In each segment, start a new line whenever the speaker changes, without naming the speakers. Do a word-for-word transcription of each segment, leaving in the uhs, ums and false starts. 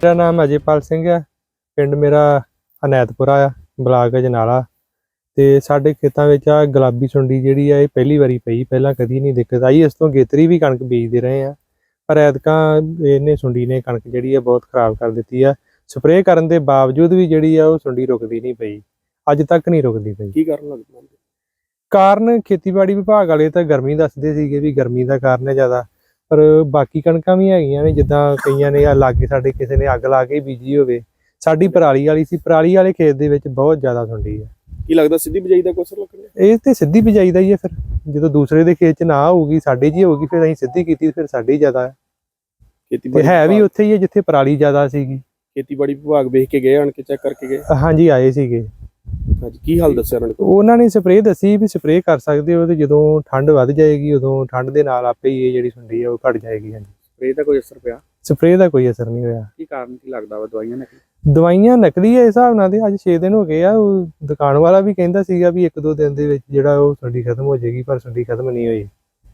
मेरा नाम अजयपाल सिंह है। पिंड मेरा अनैतपुरा आ, ब्लाक अजनाला। ते साडे खेतां विच आ गुलाबी सुंडी जिहड़ी आ, इह पहली वारी पई, पहलां कदी नहीं दिक्कत आई। इस तों गेतरी भी कणक बीजदे रहे आ, पर ऐतकां इहने सुंडी ने कणक जिहड़ी आ बहुत खराब कर दित्ती आ। स्प्रे करन दे बावजूद भी जिहड़ी आ ओह सुंडी रुकदी नहीं पई, अज तक नहीं रुकदी पई।
की कारण लगदा?
ਕਾਰਨ ਖੇਤੀਬਾੜੀ ਵਿਭਾਗ ਵਾਲੇ ਤਾਂ ਗਰਮੀ ਦੱਸਦੇ ਸੀਗੇ ਵੀ ਗਰਮੀ ਦਾ ਕਾਰਨ ਹੈ ਜ਼ਿਆਦਾ, ਪਰ ਬਾਕੀ ਕਣਕਾਂ ਵੀ ਹੈਗੀਆਂ ਨੇ, ਜਿੱਦਾਂ ਕਈਆਂ ਨੇ ਆ ਲਾਗੇ ਸਾਡੇ ਕਿਸੇ ਨੇ ਅੱਗ ਲਾ ਕੇ ਬੀਜੀ ਹੋਵੇ। ਸਾਡੀ ਪਰਾਲੀ ਵਾਲੀ ਸੀ, ਪਰਾਲੀ ਵਾਲੇ ਖੇਤ ਦੇ ਵਿੱਚ ਬਹੁਤ ਜ਼ਿਆਦਾ ਸੁੰਡੀ ਹੈ।
ਕੀ ਲੱਗਦਾ ਸਿੱਧੀ ਬਿਜਾਈ ਦਾ ਕੋਈ ਅਸਰ ਲੱਗਣਾ?
ਇਹ ਤੇ ਸਿੱਧੀ ਬਿਜਾਈ ਦਾ ਹੀ ਹੈ, ਫਿਰ ਜਦੋਂ ਦੂਸਰੇ ਦੇ ਖੇਤ 'ਚ ਨਾ ਹੋਊਗੀ ਸਾਡੇ 'ਚ ਹੀ ਹੋਊਗੀ, ਫਿਰ ਅਸੀਂ ਸਿੱਧੀ ਕੀਤੀ, ਫਿਰ ਸਾਡੀ ਜ਼ਿਆਦਾ ਹੈ।
ਖੇਤੀਬਾੜੀ
ਹੈ ਵੀ ਉੱਥੇ ਹੀ ਹੈ ਜਿੱਥੇ ਪਰਾਲੀ ਜ਼ਿਆਦਾ ਸੀਗੀ।
ਖੇਤੀਬਾੜੀ ਵਿਭਾਗ ਵੇਖ ਕੇ ਗਏ, ਆਣ ਕੇ ਚੈੱਕ ਕਰਕੇ ਗਏ?
ਹਾਂਜੀ ਆਏ ਸੀਗੇ।
ਹਾਂਜੀ, ਕੀ ਹਾਲ ਦੱਸਿਆ ਉਹਨਾਂ ਨੇ?
ਉਹਨਾਂ ਨੇ ਸਪਰੇਅ ਦੱਸੀ ਵੀ ਸਪਰੇਅ ਕਰ ਸਕਦੇ ਹੋ, ਤੇ ਜਦੋਂ ਠੰਡ ਵੱਧ ਜਾਏਗੀ ਉਦੋਂ ਠੰਡ ਦੇ ਨਾਲ ਆਪੇ ਹੀ ਇਹ ਜਿਹੜੀ ਸੁੰਡੀ ਹੈ ਉਹ ਘਟ ਜਾਏਗੀ। ਹਾਂਜੀ,
ਸਪਰੇਅ ਦਾ ਕੋਈ ਅਸਰ ਪਿਆ?
ਸਪਰੇਅ ਦਾ ਕੋਈ ਅਸਰ ਨਹੀਂ ਹੋਇਆ।
ਕੀ ਕਾਰਨ ਕੀ ਲੱਗਦਾ ਵਾ? ਦਵਾਈਆਂ ਨੇ?
ਦਵਾਈਆਂ ਨਕਲੀ ਹੈ ਹਿਸਾਬ ਨਾਲ, ਤੇ ਅੱਜ ਛੇ ਦਿਨ ਹੋ ਗਏ ਆ। ਉਹ ਦੁਕਾਨ ਵਾਲਾ ਵੀ ਕਹਿੰਦਾ ਸੀਗਾ ਵੀ ਇੱਕ ਦੋ ਦਿਨ ਦੇ ਵਿੱਚ ਜਿਹੜਾ ਉਹ ਸੁੰਡੀ ਖਤਮ ਹੋ ਜਾਏਗੀ, ਪਰ ਸੁੰਡੀ ਖਤਮ ਨਹੀਂ ਹੋਈ।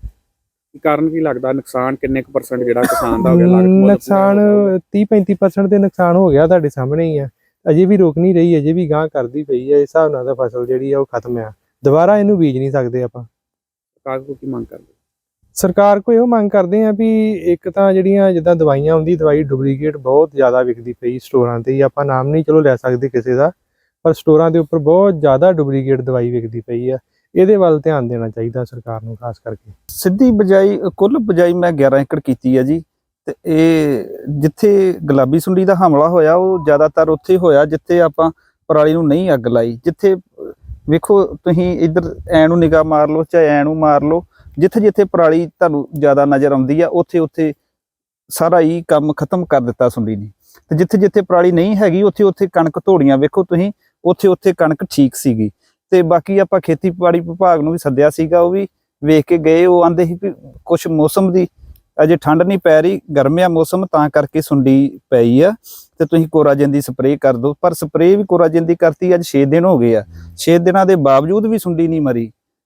ਕੀ ਕਾਰਨ ਕੀ ਲੱਗਦਾ? ਨੁਕਸਾਨ ਕਿੰਨੇ ਕੁ ਪਰਸੈਂਟ ਜਿਹੜਾ ਕਿਸਾਨ ਦਾ ਹੋ ਗਿਆ?
ਨੁਕਸਾਨ ਤੀਹ ਪੈਂਤੀ ਪਰਸੈਂਟ ਦੇ ਨੁਕਸਾਨ ਹੋ ਗਿਆ, ਤੁਹਾਡੇ ਸਾਹਮਣੇ ਹੀ ਆ। ਅਜੇ ਵੀ ਰੁਕ ਨਹੀਂ ਰਹੀ, ਅਜੇ ਵੀ ਗਾਂਹ ਕਰਦੀ ਪਈ ਹੈ। ਇਸ ਹਿਸਾਬ ਨਾਲ ਤਾਂ ਫਸਲ ਜਿਹੜੀ ਆ ਉਹ ਖਤਮ ਆ, ਦੁਬਾਰਾ ਇਹਨੂੰ ਬੀਜ ਨਹੀਂ ਸਕਦੇ ਆਪਾਂ।
ਸਰਕਾਰ ਕੋਲ ਕੀ ਮੰਗ ਕਰਦੇ?
ਸਰਕਾਰ ਕੋਲ ਇਹੋ ਮੰਗ ਕਰਦੇ ਆ ਵੀ ਇੱਕ ਤਾਂ ਜਿਹੜੀਆਂ ਜਿੱਦਾਂ ਦਵਾਈਆਂ ਆਉਂਦੀ, ਦਵਾਈ ਡੁਪਲੀਕੇਟ ਬਹੁਤ ਜ਼ਿਆਦਾ ਵਿਕਦੀ ਪਈ ਸਟੋਰਾਂ ਤੇ ਹੀ। ਆਪਾਂ ਨਾਮ ਨਹੀਂ ਚਲੋ ਲੈ ਸਕਦੇ ਕਿਸੇ ਦਾ, ਪਰ ਸਟੋਰਾਂ ਦੇ ਉੱਪਰ ਬਹੁਤ ਜ਼ਿਆਦਾ ਡੁਪਲੀਕੇਟ ਦਵਾਈ ਵਿਕਦੀ ਪਈ ਆ। ਇਹਦੇ ਵੱਲ ਧਿਆਨ ਦੇਣਾ ਚਾਹੀਦਾ ਸਰਕਾਰ ਨੂੰ ਖਾਸ ਕਰਕੇ।
ਸਿੱਧੀ ਬਿਜਾਈ, ਕੁੱਲ ਬਿਜਾਈ ਮੈਂ ਗਿਆਰਾਂ ਏਕੜ ਕੀਤੀ ਆ ਜੀ। ਤੇ ਇਹ ਜਿੱਥੇ ਗੁਲਾਬੀ ਸੁੰਡੀ ਦਾ ਹਮਲਾ ਹੋਇਆ ਉਹ ਜ਼ਿਆਦਾਤਰ ਉੱਥੇ ਹੋਇਆ ਜਿੱਥੇ ਆਪਾਂ ਪਰਾਲੀ ਨੂੰ ਨਹੀਂ ਅੱਗ ਲਾਈ। ਜਿੱਥੇ ਵੇਖੋ ਤੁਸੀਂ ਇੱਧਰ ਐ ਨੂੰ ਨਿਗਾਹ ਮਾਰ ਲਓ, ਚਾਹੇ ਐ ਨੂੰ ਮਾਰ ਲਓ, ਜਿੱਥੇ ਜਿੱਥੇ ਪਰਾਲੀ ਤੁਹਾਨੂੰ ਜ਼ਿਆਦਾ ਨਜ਼ਰ ਆਉਂਦੀ ਆ ਉੱਥੇ ਉੱਥੇ ਸਾਰਾ ਹੀ ਕੰਮ ਖਤਮ ਕਰ ਦਿੱਤਾ ਸੁੰਡੀ ਨੇ। ਤੇ ਜਿੱਥੇ ਜਿੱਥੇ ਪਰਾਲੀ ਨਹੀਂ ਹੈਗੀ ਉੱਥੇ ਉੱਥੇ ਕਣਕ ਧੋੜੀਆਂ ਵੇਖੋ ਤੁਸੀਂ, ਉੱਥੇ ਉੱਥੇ ਕਣਕ ਠੀਕ ਸੀਗੀ। ਤੇ ਬਾਕੀ ਆਪਾਂ ਖੇਤੀਬਾੜੀ ਵਿਭਾਗ ਨੂੰ ਵੀ ਸੱਦਿਆ ਸੀਗਾ, ਉਹ ਵੀ ਵੇਖ ਕੇ ਗਏ। ਉਹ ਆਂਦੇ ਸੀ ਵੀ ਕੁਛ ਮੌਸਮ ਦੀ ਅਜੇ ਠੰਡ ਨਹੀਂ ਪੈ ਰਹੀ, ਗਰਮ ਆ ਮੌਸਮ, ਤਾਂ ਕਰਕੇ ਸੁੰਡੀ ਪਈ ਆ, ਤੇ ਤੁਸੀਂ ਕੋਰਾਜਨ ਦੀ ਸਪਰੇਅ ਕਰ ਦਿਓ। ਪਰ ਸਪਰੇਅ ਵੀ ਕੋਰਾਜਨ ਦੀ ਕਰਤੀ, ਅੱਜ ਛੇ ਦਿਨ ਹੋ ਗਏ ਆ। ਛੇ ਦਿਨਾਂ ਦੇ ਬਾਵਜੂਦ ਵੀ ਸੁੰਡੀ ਨਹੀਂ ਮਰੀ।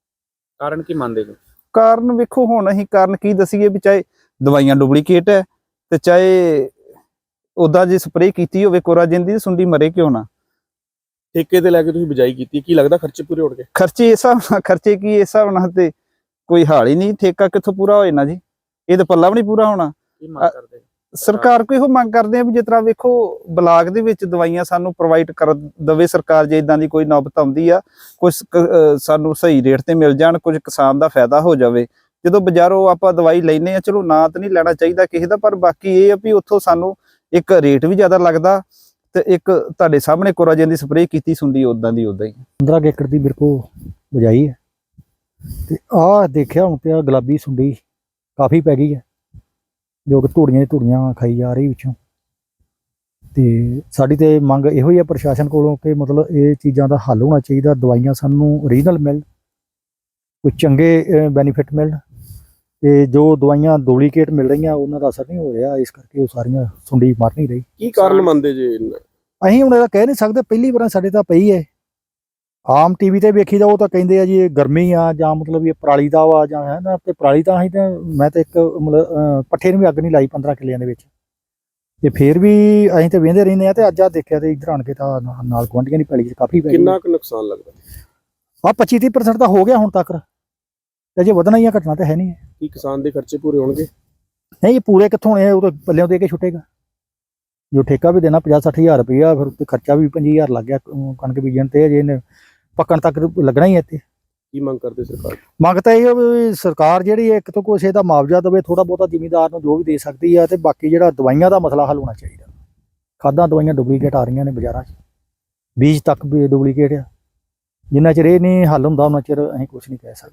ਕਾਰਨ ਕੀ ਮੰਨਦੇ ਹੋ?
ਕਾਰਨ ਵੇਖੋ ਹੁਣ ਅਸੀਂ ਕਾਰਨ ਕੀ ਦਸੀਏ ਵੀ ਚਾਹੇ ਦਵਾਈਆਂ ਡੁਪਲੀਕੇਟ ਹੈ ਤੇ ਚਾਹੇ ਉਦਾਂ ਜੇ ਸਪਰੇਅ ਕੀਤੀ ਹੋਵੇ ਕੋਰਾਜਨ ਦੀ, ਸੁੰਡੀ ਮਰੇ ਕਿਉਂ ਨਾ।
ਠੇਕੇ ਤੇ ਲੈ ਕੇ ਤੁਸੀਂ ਬਿਜਾਈ ਕੀਤੀ, ਕੀ ਲੱਗਦਾ ਖਰਚੇ ਪੂਰੇ ਹੋਣਗੇ?
ਖਰਚੇ ਇਸ ਹਿਸਾਬ ਨਾਲ, ਖਰਚੇ ਕੀ ਇਸ ਹਿਸਾਬ ਨਾਲ ਤੇ ਕੋਈ ਹਾਲ ਹੀ ਨਹੀਂ। ਠੇਕਾ ਕਿੱਥੋਂ ਪੂਰਾ ਹੋ ਜਾਣਾ ਜੀ? ਇਹ ਤਾਂ ਪੱਲਾ ਵੀ ਨਹੀਂ ਪੂਰਾ ਹੋਣਾ।
ਕੀ ਮੰਗ ਕਰਦੇ
ਸਰਕਾਰ ਕੋਲ ਇਹੋ ਮੰਗ ਕਰਦੇ ਆ ਵੀ ਜਿਸ ਤਰ੍ਹਾਂ ਵੇਖੋ ਬਲਾਕ ਦੇ ਵਿੱਚ ਦਵਾਈਆਂ ਸਾਨੂੰ ਪ੍ਰੋਵਾਈਡ ਕਰ ਦਵੇ ਸਰਕਾਰ, ਜੇ ਇਦਾਂ ਦੀ ਕੋਈ ਨੌਬਤ ਆਉਂਦੀ ਆ, ਕੁਝ ਸਾਨੂੰ ਸਹੀ ਰੇਟ ਤੇ ਮਿਲ ਜਾਣ, ਕੁਝ ਕਿਸਾਨ ਦਾ ਫਾਇਦਾ ਹੋ ਜਾਵੇ। ਜਦੋਂ ਬਾਜ਼ਾਰੋਂ ਆਪਾਂ ਦਵਾਈ ਲੈਨੇ ਆ, ਚਲੋ ਨਾ ਤਾਂ ਨਹੀਂ ਲੈਣਾ ਚਾਹੀਦਾ ਕਿਸੇ ਦਾ, ਪਰ ਬਾਕੀ ਇਹ ਆ ਵੀ ਉੱਥੋਂ ਸਾਨੂੰ ਇੱਕ ਰੇਟ ਵੀ ਜ਼ਿਆਦਾ ਲੱਗਦਾ, ਤੇ ਇੱਕ ਤੁਹਾਡੇ ਸਾਹਮਣੇ ਕੋਰਾਜਨ ਦੀ ਸਪਰੇਅ ਕੀਤੀ ਸੁੰਡੀ ਉਦਾਂ ਦੀ ਉਦਾਂ ਹੀ।
ਪੰਦਰਾਂ ਏਕੜ ਦੀ ਮੇਰੇ ਕੋਲ ਬਜਾਈ ਹੈ, ਤੇ ਆਹ ਦੇਖਿਆ ਹੁਣ ਪਿਆ ਗੁਲਾਬੀ ਸੁੰਡੀ ਕਾਫੀ ਪੈ ਗਈ ਹੈ, ਜੋ ਕਿ ਧੂੜੀਆਂ ਦੀ ਧੂੜੀਆਂ ਖਾਈ ਜਾ ਰਹੀ ਵਿੱਚੋਂ। ਤੇ ਸਾਡੀ ਤੇ ਮੰਗ ਇਹੋ ਹੀ ਹੈ ਪ੍ਰਸ਼ਾਸਨ ਕੋਲੋਂ ਕਿ ਮਤਲਬ ਇਹ ਚੀਜ਼ਾਂ ਦਾ ਹੱਲ ਹੋਣਾ ਚਾਹੀਦਾ, ਦਵਾਈਆਂ ਸਾਨੂੰ ਓਰੀਜਨਲ ਮਿਲਣ, ਕੋਈ ਚੰਗੇ ਬੈਨੀਫਿਟ ਮਿਲਣ, ਤੇ ਜੋ ਦਵਾਈਆਂ ਡੁਪਲੀਕੇਟ ਮਿਲ ਰਹੀਆਂ ਉਹਨਾਂ ਦਾ ਅਸਰ ਨਹੀਂ ਹੋ ਰਿਹਾ, ਇਸ ਕਰਕੇ ਉਹ ਸਾਰੀਆਂ ਸੁੰਡੀ ਮਰ ਨਹੀਂ ਰਹੀ।
ਕੀ ਕਾਰਨ ਮੰਨਦੇ ਜੇ?
ਅਸੀਂ ਹੁਣ ਇਹਦਾ ਕਹਿ ਨਹੀਂ ਸਕਦੇ, ਪਹਿਲੀ ਵਾਰ ਸਾਡੇ ਤਾਂ ਪਈ ਹੈ। ਆਮ ਟੀਵੀ ਤੇ ਵੇਖੀਦਾ ਉਹ ਤਾਂ ਕਹਿੰਦੇ ਆ ਜੀ ਇਹ ਗਰਮੀ ਆ, ਜਾਂ ਮਤਲਬ ਇਹ ਪਰਾਲੀ ਦਾ ਵਾ, ਜਾਂ ਹੈ ਨਾ। ਤੇ ਪਰਾਲੀ ਤਾਂ ਅਸੀਂ ਤਾਂ ਮੈਂ ਤਾਂ ਇੱਕ ਮਤਲਬ ਪੱਠੇ ਨੂੰ ਵੀ ਅੱਗ ਨਹੀਂ ਲਾਈ ਪੰਦਰਾਂ ਕਿੱਲਿਆਂ ਦੇ ਵਿੱਚ, ਤੇ ਫਿਰ ਵੀ ਅਸੀਂ ਤਾਂ ਵੇਂਦੇ ਰਹਿੰਦੇ ਆ। ਤੇ ਅੱਜ ਆ ਦੇਖਿਆ ਤੇ ਇੱਧਰ ਆਣ ਕੇ ਤਾਂ ਨਾਲ ਗੁਆਂਢੀਆਂ ਦੀ ਪੈਲੀ 'ਚ ਕਾਫੀ ਪੈ ਗਈ।
ਕਿੰਨਾ ਕੁ ਨੁਕਸਾਨ ਲੱਗਦਾ?
ਆ ਪੱਚੀ ਤੀਹ ਪਰਸੈਂਟ ਤਾਂ ਹੋ ਗਿਆ ਹੁਣ ਤੱਕ, ਤੇ ਜੇ ਵਧਣਾ ਹੀ ਆ, ਘਟਣਾ ਤਾਂ ਹੈ ਨਹੀਂ।
ਕੀ ਕਿਸਾਨ ਦੇ ਖਰਚੇ ਪੂਰੇ ਹੋਣਗੇ?
ਨਹੀਂ, ਪੂਰੇ ਕਿੱਥੋਂ ਹੋਣੇ, ਉਹ ਤਾਂ ਪੱਲਿਓਂ ਦੇ ਕੇ ਛੁੱਟੇਗਾ। ਜੋ ਠੇਕਾ ਵੀ ਦੇਣਾ ਪੰਜਾਹ ਸੱਠ ਹਜ਼ਾਰ ਰੁਪਈਆ, ਫਿਰ ਉੱਤੇ ਖਰਚਾ ਵੀ ਪੰਜੀ ਹਜ਼ਾਰ ਲੱਗ ਗਿਆ ਕਣਕ ਬੀਜਣ ਤੇ, ਜੇ ਇਹਨੇ ਪੱਕਣ ਤੱਕ ਲੱਗਣਾ ਹੀ ਹੈ। ਇੱਥੇ
ਕੀ ਮੰਗ ਕਰਦੇ ਸਰਕਾਰ?
ਮੰਗ ਤਾਂ ਇਹ ਵੀ ਸਰਕਾਰ ਜਿਹੜੀ ਇੱਕ ਤੋਂ ਕੁਛ ਇਹਦਾ ਮੁਆਵਜ਼ਾ ਦੇਵੇ, ਥੋੜਾ ਬਹੁਤਾ ਜ਼ਿਮੀਂਦਾਰ ਨੂੰ ਜੋ ਵੀ ਦੇ ਸਕਦੀ ਆ। ਤੇ ਬਾਕੀ ਜਿਹੜਾ ਦਵਾਈਆਂ ਦਾ ਮਸਲਾ ਹੱਲ ਹੋਣਾ ਚਾਹੀਦਾ। ਖਾਦਾਂ ਦਵਾਈਆਂ ਡੁਪਲੀਕੇਟ ਆ ਰਹੀਆਂ ਨੇ ਬਾਜ਼ਾਰਾਂ 'ਚ, ਬੀਜ ਤੱਕ ਵੀ ਡੁਪਲੀਕੇਟ ਆ। ਜਿੰਨਾ ਚਿਰ ਇਹ ਨਹੀਂ ਹੱਲ ਹੁੰਦਾ ਉਹਨਾਂ ਚਿਰ ਅਸੀਂ ਕੁਛ ਨਹੀਂ ਕਹਿ ਸਕਦੇ।